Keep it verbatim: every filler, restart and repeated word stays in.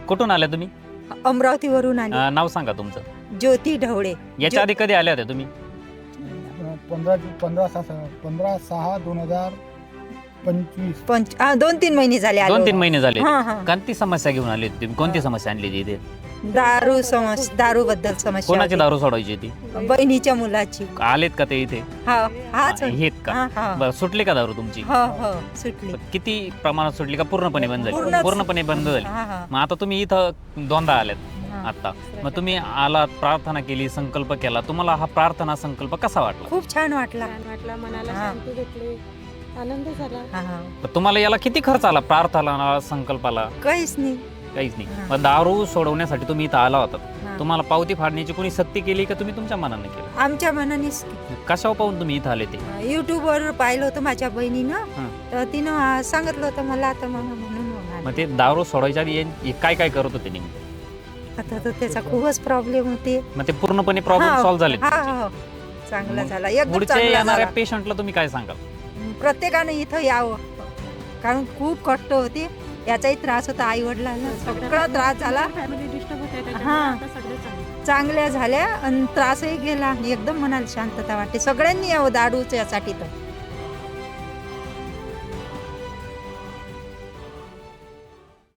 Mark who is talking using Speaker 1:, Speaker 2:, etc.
Speaker 1: कुठून आल्या तुम्ही?
Speaker 2: अमरावतीवरून आली.
Speaker 1: अं, नाव सांगा तुमचं.
Speaker 2: ज्योती ढवळे.
Speaker 1: याच्या आधी कधी आल्या होत्या तुम्ही?
Speaker 3: पंधरा पंधरा सहा पंधरा सहा दोन हजार पंचवीस
Speaker 2: पंच हा, दोन तीन महिने झाले आलो.
Speaker 1: दोन तीन महिने झाले.
Speaker 2: हा, हा.
Speaker 1: कोणती समस्या घेऊन आली होती तुम्ही? कोणती समस्या आणली होती इथे?
Speaker 2: दारू समस्या दारू बद्दल समस्या
Speaker 1: कोणाची
Speaker 2: होती.
Speaker 1: दारू सोडवायची ती?
Speaker 2: बहिणीच्या मुलाची.
Speaker 1: आलेत का ते इथे?
Speaker 2: हा हाच
Speaker 1: आहेत का?
Speaker 2: हा, हा.
Speaker 1: बरं, सुटली का दारू तुमची?
Speaker 2: हो हो सुटली.
Speaker 1: किती प्रमाणात सुटली का पूर्णपणे बंद झाली?
Speaker 2: पूर्णच.
Speaker 1: पूर्णपणे बंद झाली.
Speaker 2: हा, हा.
Speaker 1: मग आता तुम्ही इथं दोनदा आल्यात
Speaker 2: हा.
Speaker 1: आता. मग तुम्ही आलात, प्रार्थना केली, संकल्प केला. तुम्हाला हा प्रार्थना संकल्प कसा वाटला?
Speaker 2: खूप छान वाटला.
Speaker 4: छान वाटला, मनाला
Speaker 2: हा.
Speaker 4: शांती भेटली, आनंद झाला.
Speaker 2: हा, हा.
Speaker 1: तर तुम्हाला याला किती खर्च आला प्रार्थना संकल्पाला?
Speaker 2: काहीच नाही.
Speaker 1: काहीच नाही.
Speaker 2: हा.
Speaker 1: मग दारू सोडवण्यासाठी तुम्ही इथं आला होता.
Speaker 2: हा.
Speaker 1: तुम्हाला पावती फाडण्याची कोणी सक्ती केली का तुम्ही तुमच्या मनाने केलं?
Speaker 2: आमच्या मनानेच
Speaker 1: कशावर पाहून तुम्ही इथं आले ते?
Speaker 2: युट्यूब वर पाहिलं होतं माझ्या बहिणीनं.
Speaker 1: हा.
Speaker 2: तर तिनं आ, सांगितलं होतं मला आता मग म्हणून मग आले.
Speaker 1: मग ते दारू सोडायच्या आधी हे काय काय करत होते नेमके?
Speaker 2: आता तर त्याचा खूपच प्रॉब्लेम होते.
Speaker 1: मग ते पूर्णपणे प्रॉब्लेम
Speaker 2: हा,
Speaker 1: सॉल्व्ह झाले?
Speaker 2: हा, हा. चांगला
Speaker 1: मग
Speaker 2: झाला एकदम
Speaker 1: पुढच्या
Speaker 2: चांगला
Speaker 1: येणाऱ्या
Speaker 2: झाला.
Speaker 1: पेशंटला तुम्ही काय सांगाल?
Speaker 2: प्रत्येकाने इथं यावं, कारण खूप कष्ट होते. याचाही त्रास होता आई वडिलांना, सगळा त्रास झाला.
Speaker 4: फॅमिली डिस्टर्ब होते त्याच्यामुळे
Speaker 2: हा.
Speaker 4: आता सगळे चांगले.
Speaker 2: चांगल्या झाल्या आणि त्रासही गेला. एकदम मनाला शांतता वाटते. सगळ्यांनी यावं दारूच्या साठी तर.